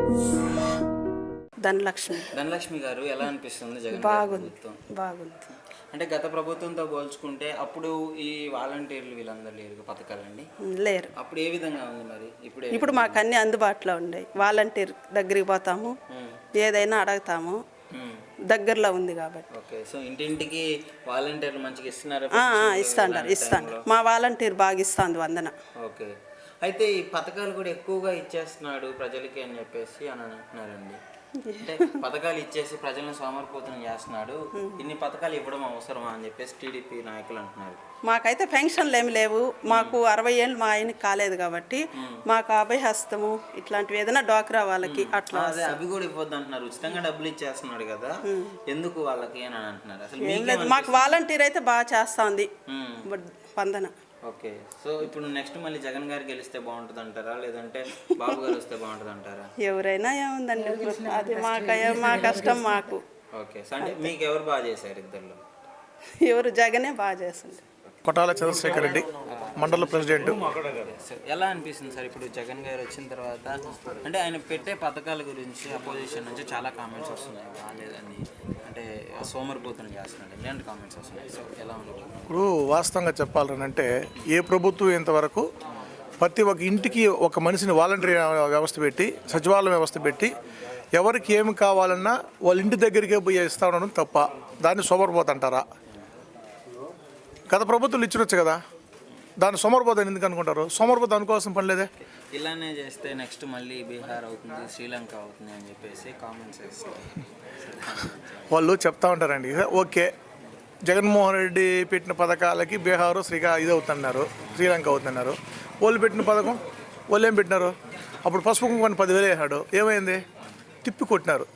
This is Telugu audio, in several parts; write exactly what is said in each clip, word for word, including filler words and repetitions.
ధనలక్ష్మి ధనలక్ష్మి గారు ఎలా అనిపిస్తుంది జగన్ బాగుంది ప్రభుత్వం? బాగుంది అంటే గత ప్రభుత్వంతో పోల్చుకుంటే అప్పుడు ఈ వాలంటీర్లు వీళ్ళందరూ లేరు పథకాలండి లేరు. అప్పుడు ఏ విధంగా ఉంది మరి ఇప్పుడు ఇప్పుడు మాకు అన్ని అందుబాటులో ఉన్నాయి. వాలంటీర్ దగ్గరికి పోతాము, ఏదైనా అడుగుతాము, దగ్గరలో ఉంది కాబట్టి. ఓకే, సో ఇంటింటికి వాలంటీర్లు మంచిగా ఇస్తున్నారు? ఇస్తాండారు ఇస్తాండారు మా వాలంటీర్ బాగా ఇస్తుంది వందన. ఓకే, అయితే ఈ పథకాలు కూడా ఎక్కువగా ఇచ్చేస్తున్నాడు ప్రజలకి అని చెప్పేసి అని అంటున్నారండి. అంటే పథకాలు ఇచ్చేసి ప్రజలను సోమరిపోతులను చేస్తున్నాడు, ఇన్ని పథకాలు ఇవ్వడం అవసరమా అని చెప్పేసి టీడీపీ నాయకులు అంటున్నారు. మాకైతే పెన్షన్లు ఏమి లేవు. మాకు అరవై ఏళ్ళు మా ఆయనకి కాలేదు కాబట్టి మాకు అభయహస్తము ఇట్లాంటివి ఏదైనా డోక్రా వాళ్ళకి అట్లా అదే అవి కూడా ఇవ్వద్దు అంటున్నారు. ఉచితంగా డబ్బులు ఇచ్చేస్తున్నాడు కదా, ఎందుకు వాళ్ళకి అని అంటున్నారు. అసలు మాకు వాలంటీర్ అయితే బాగా చేస్తుంది స్పందన. ఓకే, సో ఇప్పుడు నెక్స్ట్ మళ్ళీ జగన్ గారు గెలిస్తే బాగుంటుంది అంటారా, లేదంటే బాబు గారు వస్తే బాగుంటుంది అంటారా? ఎవరైనా ఏముందండి, అది మాకు మా కష్టం మాకు. ఓకే, అంటే మీకు ఎవరు బాగా చేశారు ఇద్దరు? ఎవరు జగనే బాగా చేస్తుంది. కొటాల చంద్రశేఖర్ రెడ్డి మండల ప్రెసిడెంట్. ఎలా అనిపిస్తుంది సార్ ఇప్పుడు జగన్ గారు వచ్చిన తర్వాత? అంటే ఆయన పెట్టే పథకాల గురించి అపోజిషన్ నుంచి చాలా కామెంట్స్ వస్తున్నాయి, బాగాలేదని, అంటే సోమరిపోతులు చేస్తున్నాడు, ఇలాంటి కామెంట్స్ వస్తున్నాయి. సో ఎలా ఉంది? ఇప్పుడు వాస్తవంగా చెప్పాలనంటే ఏ ప్రభుత్వం ఇంతవరకు ప్రతి ఒక్క ఇంటికి ఒక మనిషిని వాలంటరీ వ్యవస్థ పెట్టి సచివాలయం వ్యవస్థ పెట్టి ఎవరికి ఏమి కావాలన్నా వాళ్ళ ఇంటి దగ్గరికే పోయి ఇస్తా ఉండడం తప్ప, దాన్ని సోమరిపోతంటారా? గత ప్రభుత్వాలు ఇచ్చినొచ్చు కదా, దాన్ని సోమరిపోతాను ఎందుకు అనుకుంటారు? సోమరిపోత అనుకోవాల్సిన పని లేదే. ఇలానే చేస్తే నెక్స్ట్ మళ్ళీ బీహార్ అవుతుంది, శ్రీలంక అవుతుంది అని చెప్పేసి కామెంట్స్ చేస్తారు. వాళ్ళు చెప్తా ఉంటారండి. ఓకే, జగన్మోహన్ రెడ్డి పెట్టిన పథకాలకి బీహారు శ్రీకా ఇది అవుతున్నారు, శ్రీలంక అవుతున్నారు. వాళ్ళు పెట్టిన పథకం వాళ్ళు ఏం పెట్టినారు? అప్పుడు పసుపు కుంకుమని పదివేలు వేసాడు, ఏమైంది? తిప్పి కొట్టినారు.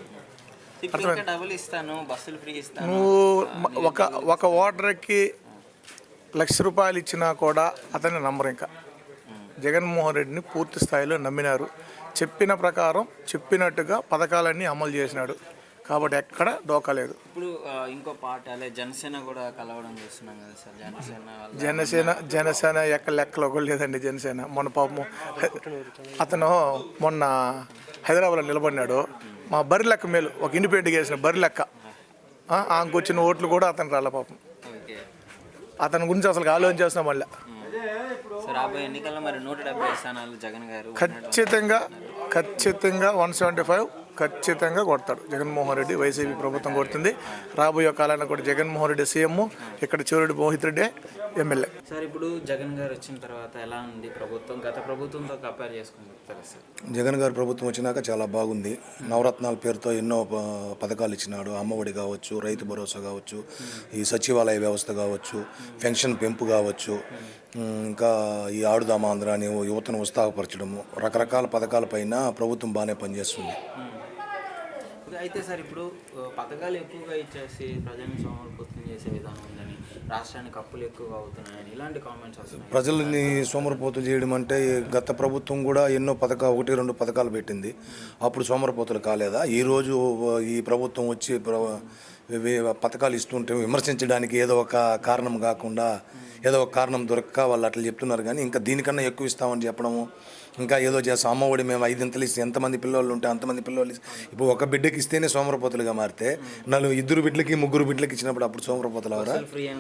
నువ్వు ఒక ఒక ఓటర్కి లక్ష రూపాయలు ఇచ్చినా కూడా అతన్ని నమ్మరు. ఇంకా జగన్మోహన్ రెడ్డిని పూర్తి స్థాయిలో నమ్మినారు. చెప్పిన ప్రకారం చెప్పినట్టుగా పథకాలన్నీ అమలు చేసినాడు కాబట్టి ఎక్కడ డోకా లేదు. ఇప్పుడు ఇంకో పార్టీ జనసేన కూడా కలవడం చేస్తున్నాం కదా సార్. జనసేన జనసేన జనసేన ఎక్క లెక్కలో కూడా లేదండి. జనసేన మొన్న పాపము అతను మొన్న హైదరాబాద్లో నిలబడినాడు. మా బరి లెక్క మేలు ఒక ఇండిపెండెంట్గా వేసిన బరి లెక్క ఆమెకు వచ్చిన ఓట్లు కూడా అతను రాళ్ళ పాపం. అతని గురించి అసలు ఆలోచన చేస్తున్నాం. మళ్ళీ రాబోయే ఎన్నికల్లో మరి నూట డెబ్బై స్థానాలు జగన్ గారు ఖచ్చితంగా ఖచ్చితంగా వన్ సెవెంటీ ఫైవ్ ఖచ్చితంగా కొడతాడు జగన్మోహన్ రెడ్డి. వైసీపీ ప్రభుత్వం కొడుతుంది. రాబోయే కాలానికి కూడా జగన్మోహన్ రెడ్డి సీఎం, ఇక్కడ చివరెడ్డి మోహిత్ రెడ్డి ఎమ్మెల్యే. సార్ ఇప్పుడు జగన్ గారు వచ్చిన తర్వాత ఎలా ఉంది ప్రభుత్వం? గత ప్రభుత్వంతో కంపేర్ చేసుకుని చెప్తారా సార్? జగన్ గారు ప్రభుత్వం వచ్చినాక చాలా బాగుంది. నవరత్నాల పేరుతో ఎన్నో పథకాలు ఇచ్చినాడు. అమ్మఒడి కావచ్చు, రైతు భరోసా కావచ్చు, ఈ సచివాలయ వ్యవస్థ కావచ్చు, పెన్షన్ పెంపు కావచ్చు, ఇంకా ఈ ఆడుదామా ఆంధ్ర అని యువతను ఉత్సాహపరచడము, రకరకాల పథకాలపైన ప్రభుత్వం బాగానే పనిచేస్తుంది. అయితే సార్ ఇప్పుడు పథకాలు ఎక్కువగా ఇచ్చేసి ప్రజల్ని సోమరిపోతం చేసే విధానం ఉందని, రాష్ట్రానికి అప్పులు ఎక్కువగా అవుతున్నాయని ఇలాంటి కామెంట్స్ వస్తున్నాయి. ప్రజల్ని సోమరిపోతులు చేయడం అంటే గత ప్రభుత్వం కూడా ఎన్నో పథకాలు ఒకటి రెండు పథకాలు పెట్టింది, అప్పుడు సోమరిపోతులు కాలేదా? ఈరోజు ఈ ప్రభుత్వం వచ్చి పథకాలు ఇస్తుంటే విమర్శించడానికి ఏదో ఒక కారణం కాకుండా ఏదో ఒక కారణం దొరక్క వాళ్ళు అట్లా చెప్తున్నారు. కానీ ఇంకా దీనికన్నా ఎక్కువ ఇస్తామని చెప్పడము, ఇంకా ఏదో చేస్తాం. అమ్మఒడి మేము ఐదింతలు ఇస్తే ఎంతమంది పిల్లలు ఉంటే అంతమంది పిల్లలు ఇప్పుడు ఒక బిడ్డకి ఇస్తేనే సోమరపోతులుగా మారితే నలుగురు ఇద్దరు బిడ్డలకి ముగ్గురు బిడ్డలకి ఇచ్చినప్పుడు అప్పుడు సోమరపోతులు అవరా?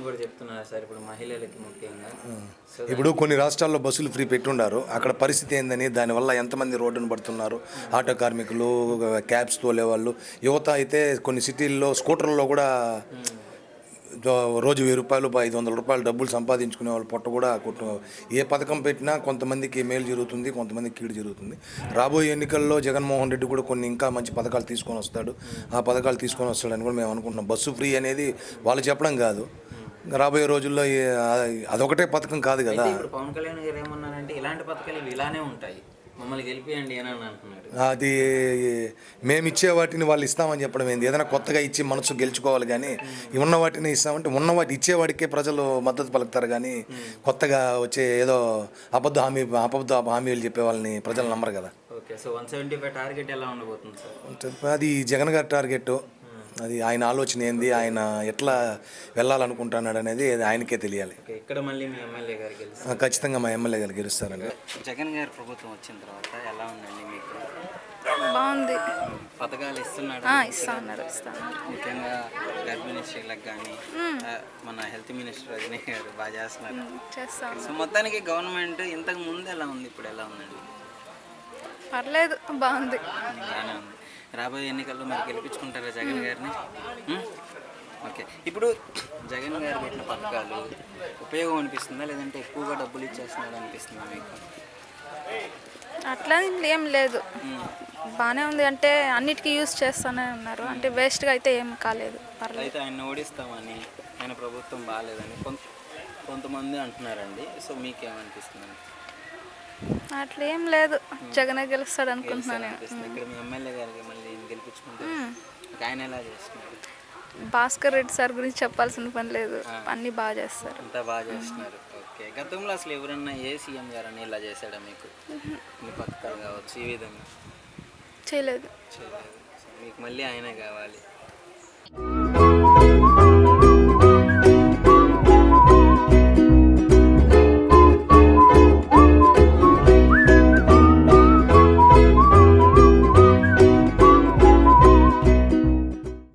ఇప్పుడు కొన్ని రాష్ట్రాల్లో బస్సులు ఫ్రీ పెట్టుండారు. అక్కడ పరిస్థితి ఏందని, దానివల్ల ఎంతమంది రోడ్డును పడుతున్నారు, ఆటో కార్మికులు, క్యాబ్స్ తోలేవాళ్ళు, యువత అయితే కొన్ని సిటీల్లో స్కూటర్లో కూడా రోజు వెయ్యి రూపాయలు ఐదు వందల రూపాయలు డబ్బులు సంపాదించుకునే వాళ్ళు పొట్ట కూడా కొట్టు. ఏ పథకం పెట్టినా కొంతమందికి మేలు జరుగుతుంది, కొంతమందికి కీడు జరుగుతుంది. రాబోయే ఎన్నికల్లో జగన్మోహన్ రెడ్డి కూడా కొన్ని ఇంకా మంచి పథకాలు తీసుకొని వస్తాడు. ఆ పథకాలు తీసుకొని వస్తాడని కూడా మేము అనుకుంటున్నాం. బస్సు ఫ్రీ అనేది వాళ్ళు చెప్పడం కాదు, రాబోయే రోజుల్లో అదొకటే పథకం కాదు కదా. పవన్ కళ్యాణ్ గారు ఏమన్నారంటే ఇలాంటి పథకాలు ఇలానే ఉంటాయి, మమ్మల్ని గెలిపియండి అని అంటున్నాడు. అది మేము ఇచ్చే వాటిని వాళ్ళు ఇస్తామని చెప్పడం ఏంది? ఏదైనా కొత్తగా ఇచ్చి మనసు గెలుచుకోవాలి కానీ ఉన్న వాటిని ఇస్తామంటే ఉన్న వాటి ఇచ్చేవాడికే ప్రజలు మద్దతు పలుకుతారు కానీ కొత్తగా వచ్చే ఏదో అబద్ధ హామీ అబద్ధ హామీలు చెప్పే వాళ్ళని ప్రజలు నమ్మరు కదా. Okay, so one seventy five target ఎలా ఉండబోతుంది సార్? అది జగన్ గారి టార్గెట్. అది ఆయన ఆలోచన ఏంది, ఆయన ఎట్లా వెళ్ళాలనుకుంటున్నాడు అనేది ఆయనకే తెలియాలి. ఇక్కడ మళ్ళీ మీ ఎమ్మెల్యే గారు గెలుస్తారు? ఖచ్చితంగా మా ఎమ్మెల్యే గారు గెలుస్తారండి. జగన్ గారి ప్రభుత్వం వచ్చిన తర్వాత ఎలా ఉందండి మీకు? బాగుంది. పథకాలు ఇస్తున్నాడు ఆ, ఇస్తా ఉన్నారు ఇస్తా ఉన్నారు ముఖ్యంగా గర్భిణీ స్త్రీలకు కానీ మన హెల్త్ మినిస్టర్ రజనీ గారు బాగా చేస్తున్నారు. చేస్తా ఉన్నారు. సో మొత్తానికి గవర్నమెంట్ ఇంతకు ముందు ఎలా ఉంది, ఇప్పుడు ఎలా ఉందండి? పర్లేదు, బాగుంది. బాగానే ఉంది. రాబోయే ఎన్నికల్లో మరి గెలిపించుకుంటారా జగన్ గారిని? ఉం? ఓకే, ఇప్పుడు జగన్ గారు పెట్టిన పథకాలు ఉపయోగం అనిపిస్తుందా, లేదంటే ఎక్కువగా డబ్బులు ఇచ్చేస్తున్నాడు అనిపిస్తుందా మీకు? అట్లా ఏం లేదు, బాగానే ఉంది. అంటే అన్నిటికీ యూజ్ చేస్తూనే ఉన్నారు, అంటే వేస్ట్గా అయితే ఏం కాలేదు, పర్లేదు. అయితే ఆయన ఓడిస్తామని, ఆయన ప్రభుత్వం బాగాలేదని కొంత కొంతమంది అంటున్నారండి. సో మీకేమనిపిస్తుంది? అట్లా ఏం లేదు, జగనే గెలుస్తాడు అనుకుంటున్నాను నేను. అనిపిస్తుంది ఇక్కడ మీ ఎమ్మెల్యే గారికి మళ్ళీ గెలిపించుకుంటారు, ఆయన ఎలా చేస్తున్నారు? భాస్కర్ రెడ్డి సార్ గురించి చెప్పాల్సిన పని లేదు, అన్నీ బాగా చేస్తారు. అంతా బాగా చేస్తున్నారు. ఓకే, గతంలో అసలు ఎవరన్నా ఏ సీఎం గారని ఇలా చేశాడా మీకు? మీ పథకాలు కావచ్చు ఈ విధంగా చేయలేదు. చేయలేదు. సో మీకు మళ్ళీ ఆయనే కావాలి.